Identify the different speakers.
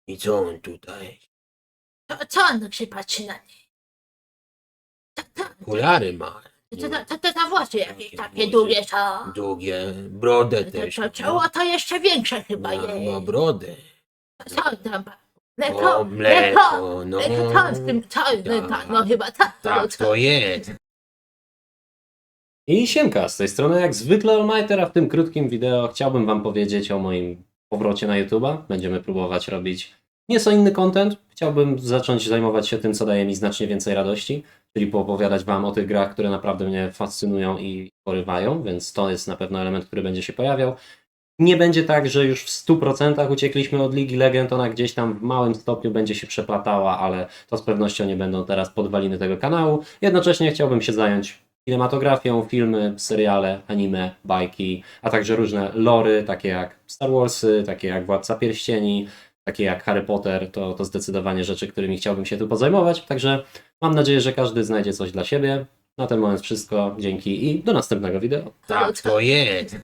Speaker 1: I co on tutaj?
Speaker 2: Co on tak się patrzy na niej?
Speaker 1: Okulary ma.
Speaker 2: To włosy jakieś takie
Speaker 1: włosy
Speaker 2: długie są.
Speaker 1: Długie, brodę też.
Speaker 2: To
Speaker 1: ma.
Speaker 2: czoło to jeszcze większe chyba
Speaker 1: Ma
Speaker 2: jest.
Speaker 1: brodę.
Speaker 2: Co on tam? Mleko,
Speaker 1: O, mleko, no.
Speaker 2: Mleko, co on z tym, co on, no chyba tak.
Speaker 1: Tak to jest.
Speaker 3: I siemka, z tej strony jak zwykle Allmighter, a w tym krótkim wideo chciałbym wam powiedzieć o moim powrocie na YouTube'a. Będziemy próbować robić nieco inny content. Chciałbym zacząć zajmować się tym, co daje mi znacznie więcej radości, czyli poopowiadać wam o tych grach, które naprawdę mnie fascynują i porywają, więc to jest na pewno element, który będzie się pojawiał. Nie będzie tak, że już w 100% uciekliśmy od Ligi Legend, ona gdzieś tam w małym stopniu będzie się przeplatała, ale to z pewnością nie będą teraz podwaliny tego kanału. Jednocześnie chciałbym się zająć kinematografią, filmy, seriale, anime, bajki, a także różne lory, takie jak Star Warsy, takie jak Władca Pierścieni, takie jak Harry Potter, to zdecydowanie rzeczy, którymi chciałbym się tu pozajmować, także mam nadzieję, że każdy znajdzie coś dla siebie. Na ten moment wszystko, dzięki i do następnego wideo.
Speaker 1: Tak to jest.